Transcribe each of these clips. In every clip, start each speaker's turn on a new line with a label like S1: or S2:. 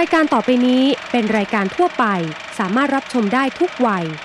S1: ายการต่อไปนี้เป็นรายการทั่วไปสามารถรับชมได้ทุกวัย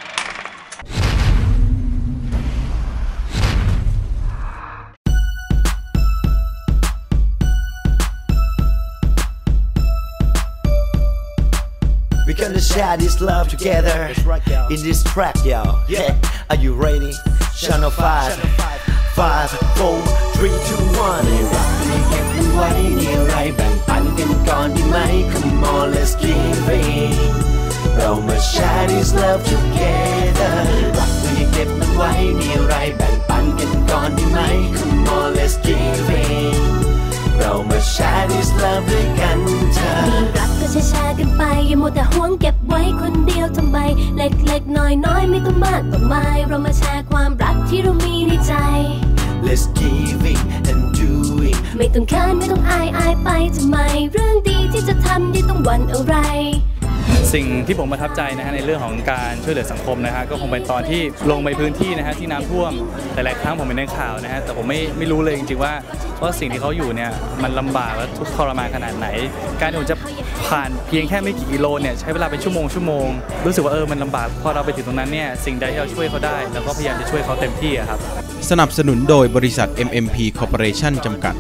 S2: We're gonna share this love together in this track, y'all. Yeah, are you ready? Channel 5, 5, 4, 3, 2, 1. ในรักในเก็บมันไว้ในไรแบ่งปันกันก่อนดีไหม Come on, let's give it. เรามา share this love together. รักในเก็บมันไว้ในไรแบ่งปันกันก่อนดีไหม Come on, let's give it. เรามา share this love ด้วยกันเธอมีรักก็แชร์กันไปอย่ามัวแต่หวงเก็บไว้คนเดียวทำไมเล็กๆน้อยๆไม่ต้องมากต้องมายเรามาแชร์ความรักที่เรามีในใจ Let's give it and do it ไม่ต้องเขินไม่ต้องอายไปทำไมเรื่องดีที่จะทำที่ต้องหวั่นอะไร
S3: สิ่งที่ผมประทับใจนะฮะในเรื่องของการช่วยเหลือสังคมนะฮะก็คงเป็นตอนที่ลงไปพื้นที่นะฮะที่น้ำท่วมหลายครั้งผมเห็นในข่าวนะฮะแต่ผมไม่รู้เลยจริงๆว่าสิ่งที่เขาอยู่เนี่ยมันลำบากและทุกข์ทรมานขนาดไหนการที่ผมจะผ่านเพียงแค่ไม่กี่กิโลเนี่ยใช้เวลาเป็นชั่วโมงรู้สึกว่ามันลำบากพอเราไปถึงตรงนั้นเนี่ยสิ่งใดที่เราช่วยเขาได้แล้วก็พยายามจะช่วยเขาเต็มที่ครับ
S4: สนับสนุนโดยบริษัท MMP Corporation จำกัด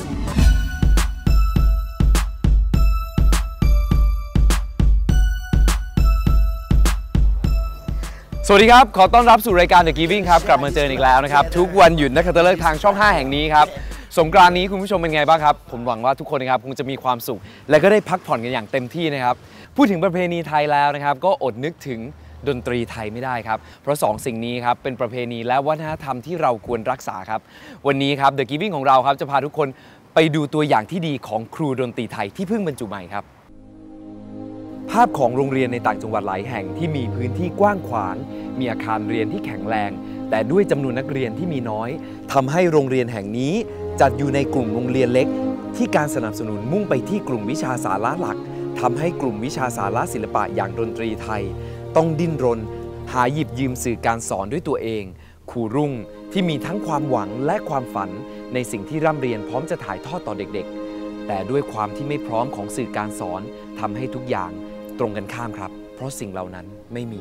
S5: สวัสดีครับขอต้อนรับสู่รายการ The Giving ครับกลับมาเจออีกแล้วนะครับทุกวันหยุดนักขัตฤกษ์ทางช่อง 5 แห่งนี้ครับสงกรานต์นี้คุณผู้ชมเป็นไงบ้างครับผมหวังว่าทุกคนนะครับคงจะมีความสุขและก็ได้พักผ่อนกันอย่างเต็มที่นะครับพูดถึงประเพณีไทยแล้วนะครับก็อดนึกถึงดนตรีไทยไม่ได้ครับเพราะ2สิ่งนี้ครับเป็นประเพณีและวัฒนธรรมที่เราควรรักษาครับวันนี้ครับ The Giving ของเราครับจะพาทุกคนไปดูตัวอย่างที่ดีของครูดนตรีไทยที่เพิ่งบรรจุใหม่ครับภาพของโรงเรียนในต่างจังหวัดหลายแห่งที่มีพื้นที่กว้างขวางมีอาคารเรียนที่แข็งแรงแต่ด้วยจำนวนนักเรียนที่มีน้อยทำให้โรงเรียนแห่งนี้จัดอยู่ในกลุ่มโรงเรียนเล็กที่การสนับสนุนมุ่งไปที่กลุ่มวิชาสาระหลักทำให้กลุ่มวิชาสาระศิลปะอย่างดนตรีไทยต้องดิ้นรนหาหยิบยืมสื่อการสอนด้วยตัวเองครูรุ่งที่มีทั้งความหวังและความฝันในสิ่งที่ร่ำเรียนพร้อมจะถ่ายทอดต่อเด็กๆแต่ด้วยความที่ไม่พร้อมของสื่อการสอนทำให้ทุกอย่างตรงกันข้ามครับเพราะสิ่งเหล่านั้นไม่มี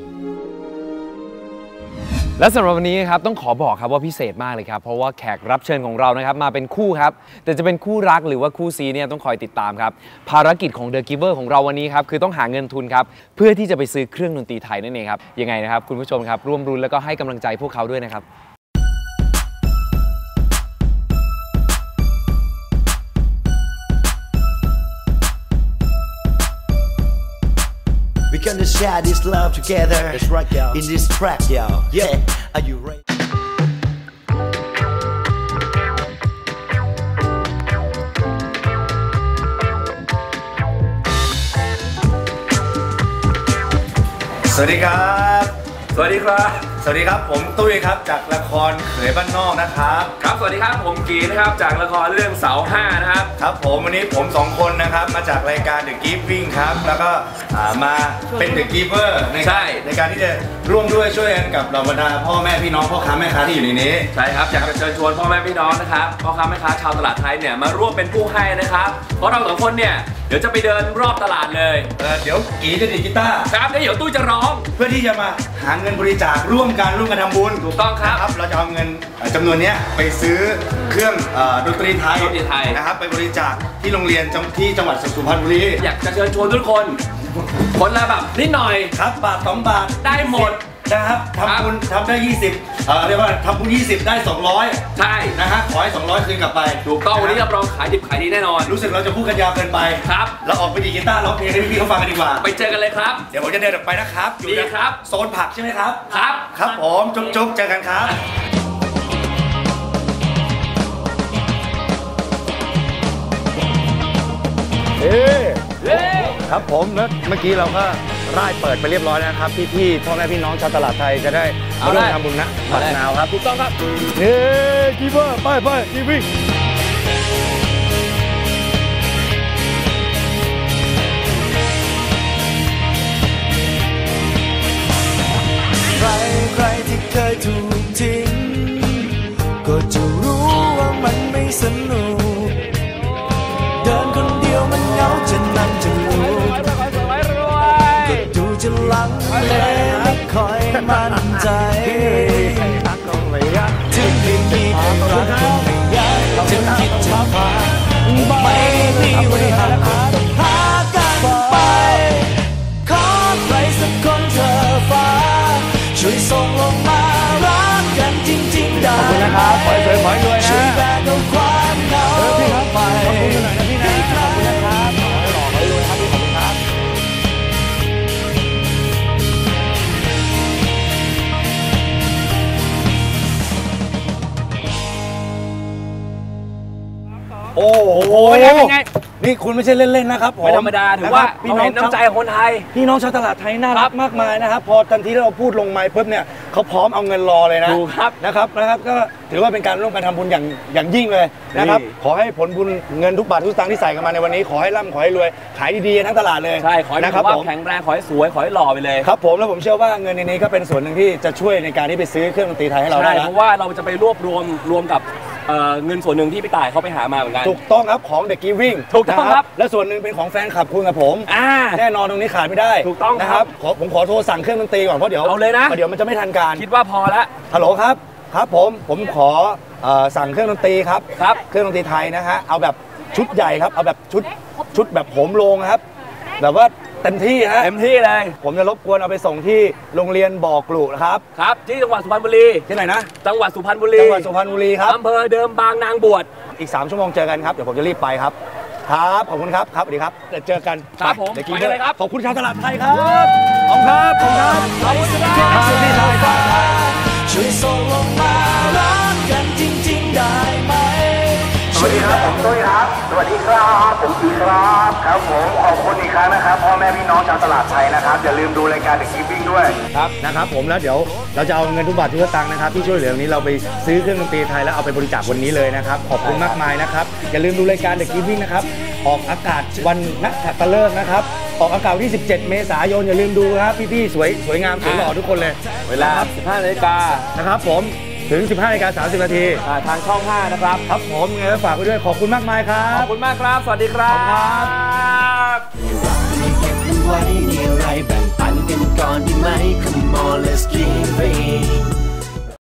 S5: และสำหรับวันนี้ครับต้องขอบอกครับว่าพิเศษมากเลยครับเพราะว่าแขกรับเชิญของเรานะครับมาเป็นคู่ครับแต่จะเป็นคู่รักหรือว่าคู่ซีเนี่ยต้องคอยติดตามครับภารกิจของ The Giver ของเราวันนี้ครับคือต้องหาเงินทุนครับเพื่อที่จะไปซื้อเครื่องดนตรีไทยนั่นเองครับยังไงนะครับคุณผู้ชมครับร่วมรุ้นแล้วก็ให้กำลังใจพวกเขาด้วยนะครับ
S2: We're gonna share this love together. That's right, y'all. In this track, y'all. Yeah, are you ready?
S6: สวัสดีครับสวัสดีครับสวัสดีครับผมตุ้ยครับจากละครเขยบ้านนอกนะครับ
S5: ครับสวัสดีครับผมกีนะครับจากละครเรื่องเสา5นะครับ
S6: ครับผมวันนี้ผม2คนนะครับมาจากรายการ The Giving ครับแล้วก็มาเป็น The Giver ในการที่จะร่วมด้วยช่วยกันกับเหล่าบรรดาพ่อแม่พี่น้องพ่อค้าแม่ค้าที่อยู่ในนี้
S5: ใช่ครับอยากจะเชิญชวนพ่อแม่พี่น้องนะครับพ่อค้าแม่ค้าชาวตลาดไทยเนี่ยมาร่วมเป็นผู้ให้นะครับเพราะเรา2คนเนี่ยเดี๋ยวจะไปเดินรอบตลาดเลย
S6: เดี๋ยวกีจะดีดกีตาร์
S5: ครับเดี๋ยวตุ้ยจะร้อง
S6: เพื่อที่จะมาหาเงินบริจาคร่วมกันทำบุญ
S5: ถูกต้องครับ
S6: เราจะเอาเงินจำนวนนี้ไปซื้อเครื่องดนตรีไทยนะครับไปบริจาคที่โรงเรียนที่จังหวัดสุพรรณบุรี
S5: อยากจะเชิญชวนทุกคนคนละแบบนิดหน่อย
S6: ครับบาท2 บาท
S5: ได้หมด
S6: นะครับทำบุญทำได้20เรียกว่าทำบุญ20ได้200
S5: ใช่
S6: นะฮะขอให้200คืนกลับไป
S5: ถูกต้องวันนี้รับรองขายดิบขายดีแน่นอน
S6: รู้สึกเราจะพูดกันยาวเกินไป
S5: ครับ
S6: เราออกไปดีกีตาร์ร้องเพลงให้พี่ๆเขาฟังกันดีกว่า
S5: ไปเจอกันเลยครับ
S6: เดี๋ยวผมจะเดินออกไปนะครับ
S5: อยู่นะครับ
S6: โซนผักใช่ไหมครับ
S5: ครับ
S6: ผมจุ๊บเจอกันครับครับผมแล้วเมื่อกี้เราก็ร่ายเปิดไปเรียบร้อยแล้วครับพี่พ่อแม่พี่น้องชาวตลาดไทยจะได้มาร่วมทำบุญนะบัตรนาวครับ
S5: ถูกต้องครับ
S6: กีเวอร์ไปกีวิ่ง
S2: ใครที่เคยถูกทิ้งก็จะรู้ว่ามันไม่สนุกเดินคนเดียวมันเหงาจะนั่งจะรู้ใจถึงไม่มีใครรักคนไม่อยากถึงคิดจะพาไม่มีเวลาหากันไปขอใครสักคนเธอฟ้าช่วยส่งลงมารักกันจริงๆได้ขอบคุณนะครับขอให้สวยขอให้รวยนะช่วยแบกเอาความเหงาไปขอบคุณหน่อยนะพี่นะขอบคุณนะครับขอให้หล่อขอให้รวยครับพี่ขอบคุณครับโอ้โหเป็นไงนี่คุณไม่ใช่เล่นๆนะครับผม
S5: ไม่ธรรมดาถือว่าพี่น้องน้ำใจของคนไทย
S6: พี่น้องชาวตลาดไทยน่ารักมากมายนะครับพอทันทีที่เราพูดลงไมค์ปุ๊บเนี่ยเขาพร้อมเอาเงินรอเลยนะนะครับก็ถือว่าเป็นการร่วมกันทำบุญอย่างยิ่งเลยนะครับขอให้ผลบุญเงินทุกบาททุกสตางค์ที่ใส่กันมาในวันนี้ขอให้ร่ำขอให้รวยขายดีๆทั้งตลาดเลย
S5: ใช่ขอให้สุขภาพแข็งแรงขอให้สวยขอให้หล่อไปเลย
S6: ครับผมแล้วผมเชื่อว่าเงินในนี้ก็เป็นส่วนหนึ่งที่จะช่วยในการที่ไปซื้อเครื่องดนตรีไทยให้เราได้
S5: เพราะว่าเราจะไปรวบรวมกับเงินส่วนหนึ่งที่พี่ต่ายเขาไปหามาเหมือนกัน
S6: ถูกต้องครับของ The Giving
S5: ถูกต้องครับ
S6: และส่วนหนึ่งเป็นของแฟนคลับคุณกับผมแน่นอนตรงนี้ขาดไม่ได้
S5: ถูกต้อง
S6: นะครับผมขอโทรสั่งเครื่องดนตรีก่อนเพราะเดี๋ยว
S5: เอาเลยนะ
S6: เดี๋ยวมันจะไม่ทันการ
S5: คิดว่าพอแล้ว
S6: ฮัลโหลครับผมขอสั่งเครื่องดนตรีครับเครื่องดนตรีไทยนะฮะเอาแบบชุดใหญ่ครับเอาแบบชุดแบบโหมโรงครับแบบว่าเต็มที่ฮะ
S5: เต็มที่เลย
S6: ผมจะรบกวนเอาไปส่งที่โรงเรียนบ่อกลุนะครับ
S5: ที่จังหวัดสุพรรณบุรี
S6: ที่ไหนนะ
S5: จังหวัดสุพรรณบุรี
S6: ครับ
S5: อำเภอเดิมบางนางบวช
S6: อีก3 ชั่วโมงเจอกันครับเดี๋ยวผมจะรีบไปครับขอบคุณครับสวัสดีครับเดี๋ยวเจอกัน
S5: ครับผมไปเลยครับ
S6: ขอบคุณชาวตลาดไทยครับขอบคุณครับขอบคุณครับช่วยส่งลงมารักกันจริงๆได้ไหม
S7: สวัสดีครับผมตุ้ยครับสวัสดีครับผมอีครับครับผมขอบคุณอีกครั้งนะครับพ่อแม่พี่น้องชาวตลาดไทยนะครับอย่าลืมดูรายการ The Giving ด้วย
S6: ครับนะครับผมแล้วเดี๋ยวเราจะเอาเงินทุกบาททุกสตางค์นะครับที่ช่วยเหลือนี้เราไปซื้อเครื่องดนตรีไทยแล้วเอาไปบริจาควันนี้เลยนะครับขอบคุณมากมายนะครับอย่าลืมดูรายการ The Giving นะครับออกอากาศวันนักขัตฤกษ์นะครับออกอากาศที่17 เมษายนอย่าลืมดูครับพี่ๆสวยงามสวยหล่อทุกคนเลย
S5: เวลา 15 นาฬิกา
S6: นะครับผมถึง 15:30 นาที
S5: ทางช่อง 5นะครับ
S6: ครับผมไงฝากไว้ด้วยขอบคุณมากมายครับ
S5: ขอบคุณมากครับสวัสดีครับ
S2: ไว้มีอะไรแบ่งปันกันก่อนดีไหม Come on let's give it